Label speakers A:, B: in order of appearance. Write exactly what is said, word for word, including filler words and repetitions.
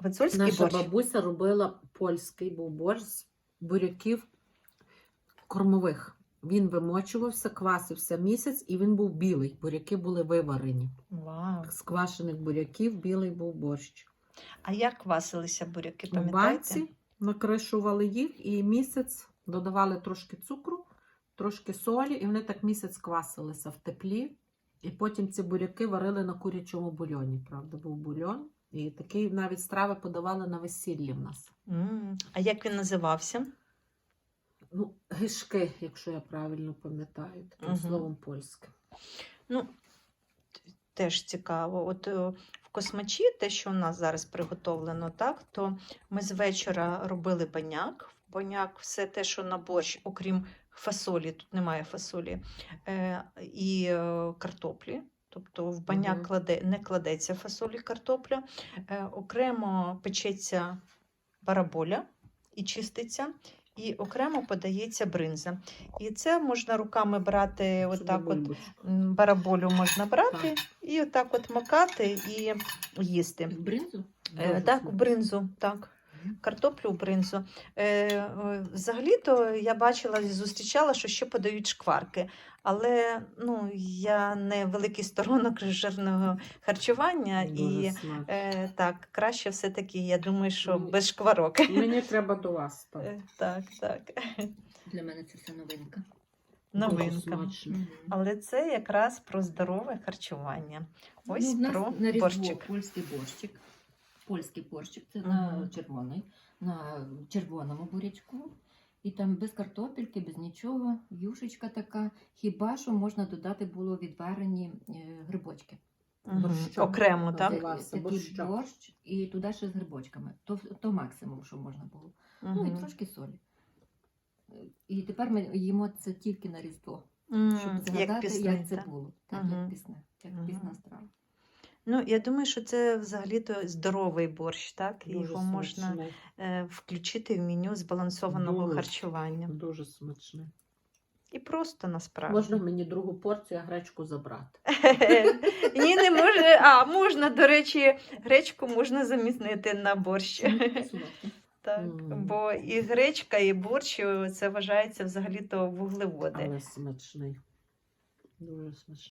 A: Гуцульський
B: Наша
A: борщ.
B: бабуся робила польський був борщ з буряків кормових. Він вимочувався, квасився місяць, і він був білий. Буряки були виварені.
A: Вау.
B: З квашених буряків білий був борщ.
A: А як квасилися буряки,
B: У
A: пам'ятаєте?
B: банці накришували їх і місяць додавали трошки цукру, трошки солі, і вони так місяць квасилися в теплі. І потім ці буряки варили на курячому бульйоні. Правда, був бульйон. І такий навіть страви подавали на весіллі в нас.
A: М, А як він називався?
B: Ну, гишки, якщо я правильно пам'ятаю, таким
A: Мгм.
B: словом польське.
A: Ну, теж цікаво. От е, в космачі, те, що у нас зараз приготовлено, так, то ми з вечора робили баняк. В баняк все те, що на борщ, окрім фасолі, тут немає фасолі, е, і е, картоплі. Тобто в баняк
B: Мгм.
A: кладе, не кладеться фасолі, картопля. Е, окремо печеться бараболя і чиститься. І окремо подається бринза. І це можна руками брати, отак от,
B: бульбочку.
A: м, бараболю можна брати,
B: Так.
A: і отак от макати і їсти.
B: В бринзу?
A: Е,
B: Дуже
A: так, в
B: смачно.
A: бринзу, так.
B: Мгм.
A: Картоплю в бринзу. Е, е, взагалі-то я бачила і зустрічала, що ще подають шкварки. Але ну, я не великий сторонник жирного харчування.
B: Дуже
A: І
B: смачно.
A: е, так, краще все-таки, я думаю, що
B: Мені-
A: без шкварок.
B: Мені треба до вас. Так.
A: Е, Так, так.
C: Для мене це все новинка.
B: Дуже
A: Новинка.
B: смачно.
A: Але це якраз про здорове харчування. Ось
C: Ну, в нас
A: про
C: на Різдво
A: борщик.
C: польський борщик. Польський борщик, це
A: Мгм.
C: на червоний, на червоному бурячку. І там без картопельки, без нічого, юшечка така. Хіба що можна додати було відварені е, грибочки.
A: Мгм.
B: борщок.
A: Окремо, так?
C: Це
B: Називався
C: такий
B: борщак.
C: борщ, і туди ще з грибочками. То, то максимум, що можна було. Ну і
A: Мгм.
C: трошки солі. Е, І тепер ми їмо це тільки на Різдво,
A: М,
C: щоб
A: Як
C: згадати,
A: пісний,
C: як це
A: так?
C: було. Так,
A: Мгм.
C: як пісне, як
A: Мгм.
C: пісна страва.
A: Ну, я думаю, що це взагалі-то здоровий борщ, так? І
B: Дуже
A: його можна
B: смачний.
A: е, включити в меню збалансованого
B: Дуже.
A: харчування.
B: Дуже смачний.
A: І просто насправді.
B: Можна мені другу порцію, а гречку забрати?
A: Ні, не може. А, можна, до речі, гречку можна замінити на борщ.
C: Солодке.
A: Так,
B: Мгм.
A: бо і гречка, і борщ це вважається взагалі-то вуглеводи.
B: Але смачний. Дуже смачний.